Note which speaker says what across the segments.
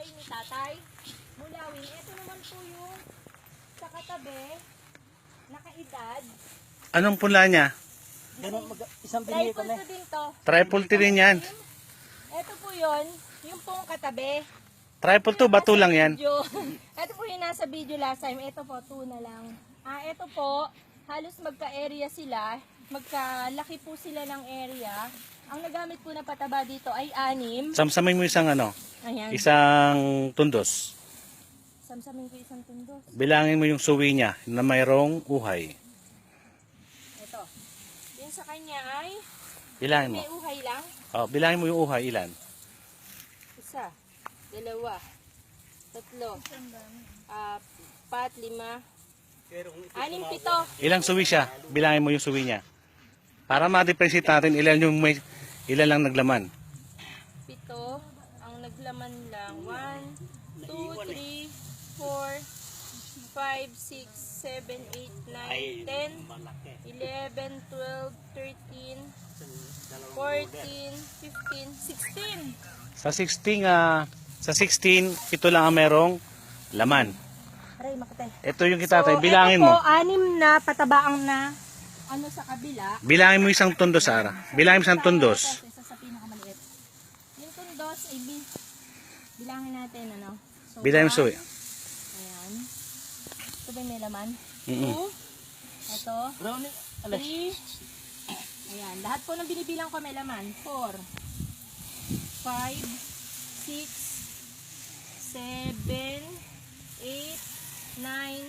Speaker 1: bahay ni tatay. Mulawin. Ito naman po yung sa katabi, nakaedad.
Speaker 2: Anong pula niya?
Speaker 3: Isang binili ko
Speaker 1: Triple
Speaker 3: na.
Speaker 1: to din to.
Speaker 2: Triple T rin yan.
Speaker 1: Ito po yun, yung pong katabi.
Speaker 2: Triple to, bato lang yan.
Speaker 1: Ito po yung nasa video last time. Ito po, 2 na lang. Ito po, halos magka-area sila. Magkalaki po sila ng area. Ang nagamit po na pataba dito ay 6.
Speaker 2: Samsamay mo isang
Speaker 1: Ayan.
Speaker 2: isang tundos.
Speaker 1: Samsamin ko isang tundos.
Speaker 2: Bilangin mo yung suwi niya na mayroong uhay.
Speaker 1: Ito. Din sa kanya ay
Speaker 2: Bilangin mo.
Speaker 1: may uhay lang.
Speaker 2: Oh, bilangin mo yung uhay, ilan?
Speaker 1: 1, 2, 3, 4, 5, 6, 7.
Speaker 2: Ilang suwi siya? Bilangin mo yung suwi niya. Para ma-differentiate natin ilan lang naglaman.
Speaker 1: 7. Ang naglaman lang 1, 2, 3, 4, 5, 6, 7, 8, 9, 10, 11, 12, 13, 14, 15, 16.
Speaker 2: Sa 16, ito lang ang merong laman.
Speaker 1: Aray, makate.
Speaker 2: Ito yung kitatay, bilangin
Speaker 1: ito po,
Speaker 2: mo.
Speaker 1: 6 na patabaang na sa kabila.
Speaker 2: Bilangin mo isang tundos, Sara. Bilangin mo isang tundos.
Speaker 1: Isa sa pinakamaliit. Yung tundos, bilangin natin, So,
Speaker 2: Bilangin mo suwi.
Speaker 1: Ayan. Ito ba yung may laman?
Speaker 2: Mm-mm.
Speaker 1: 2. Ito.
Speaker 3: Brownie.
Speaker 1: 3. Ayan. Lahat po ng binibilang ko may laman. 4. 5. 6. 7. 8. 9. 10.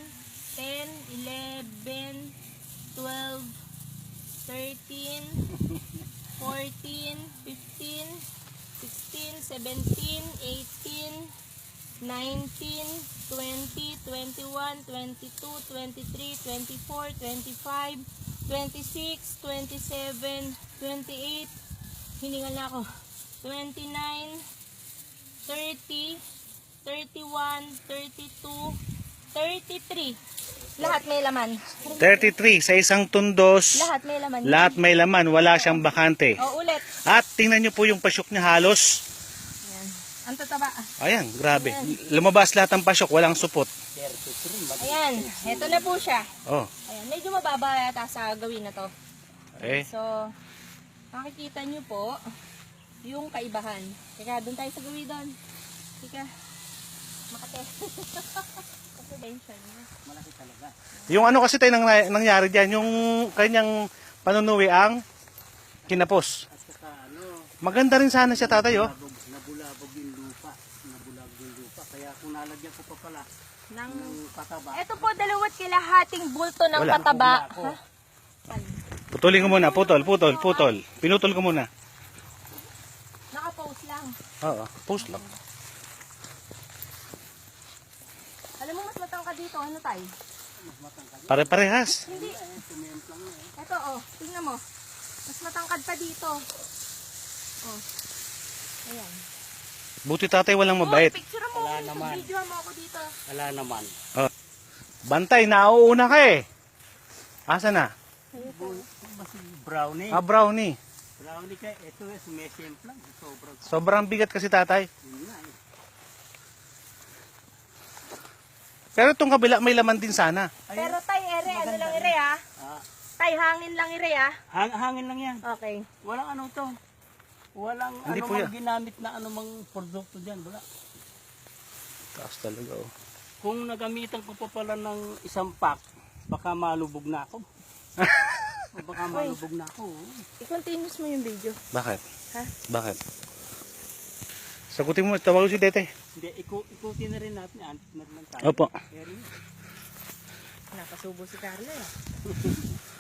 Speaker 1: 11. 12. 13. 14. 15. 16. 17. 18. 19, 20, 21, 22, 23, 24, 25, 26, 27, 28, hiningal na ako, 29, 30, 31, 32, 33. Lahat may laman.
Speaker 2: 33 sa isang tundos.
Speaker 1: Lahat may laman.
Speaker 2: Lahat may laman, wala siyang bakante.
Speaker 1: O, ulit.
Speaker 2: At tingnan nyo po yung pasyok niya halos.
Speaker 1: Ayan. Ang tataba.
Speaker 2: Ayan, grabe. Lumabas lahat ng pasyok, walang supot.
Speaker 1: Ayan. Ito na po siya.
Speaker 2: Oh,
Speaker 1: Ayan. Medyo mababa yata sa gawin na to.
Speaker 2: eh.
Speaker 1: So, makikita nyo po yung kaibahan. Teka, doon tayo sa gawin doon. Teka, makate.
Speaker 3: Malaki talaga.
Speaker 2: Yung kasi tayo nangyari dyan, yung kanyang panunuwi ang kinapos.
Speaker 3: At saka
Speaker 2: Maganda rin sana siya tatay, oh.
Speaker 3: nabulabog yung lupa. Nabulabog yung lupa. Kaya kung nalagyan ko pa pala
Speaker 1: Ng...
Speaker 3: ng pataba.
Speaker 1: Ito po, 2 kilahating bulto ng
Speaker 2: Wala.
Speaker 1: pataba.
Speaker 3: Ako.
Speaker 2: Putulin ko muna, putol. Pinutol ko muna.
Speaker 1: Naka-post lang.
Speaker 2: Oo, post lang.
Speaker 1: Alam mo, mas matangkad dito. Ano tayo?
Speaker 2: Pare-parehas.
Speaker 1: Hindi. Ito, oh. Tingnan mo. Mas matangkad pa dito. Oh. Ayan.
Speaker 2: Buti tatay walang mabait.
Speaker 1: Oh, picture mo.
Speaker 3: Wala naman.
Speaker 1: Video mo ako dito.
Speaker 3: Wala naman.
Speaker 2: Bantay, nauuna ka eh. Asa na?
Speaker 3: Basta brownie.
Speaker 2: Brownie.
Speaker 3: Brownie kaya ito sumesimplang. Sobrang.
Speaker 2: Sobrang bigat kasi tatay.
Speaker 3: Yun nga eh.
Speaker 2: Pero itong kabila may laman din sana.
Speaker 1: Pero tay, ere. Ano lang ere, ha? Tay, hangin lang ere, ha?
Speaker 3: Hangin lang yan.
Speaker 1: Okay.
Speaker 3: Walang ano to. Walang
Speaker 2: Hindi po
Speaker 3: anumang
Speaker 2: yan.
Speaker 3: ginamit na anumang produkto dyan. Wala.
Speaker 2: Taas talaga, oh.
Speaker 3: Kung nagamitan ko pa pala ng isang pack, baka malubog na ako. O baka malubog na ako.
Speaker 1: I-continuous mo yung video.
Speaker 2: Bakit?
Speaker 1: Ha?
Speaker 2: Bakit? Sagutin mo, tawag si Tete.
Speaker 3: Hindi, ikutin na rin natin. Antik na rin tayo.
Speaker 2: Opo.
Speaker 3: Kaya rin.
Speaker 1: Nakasubo si Carla, eh.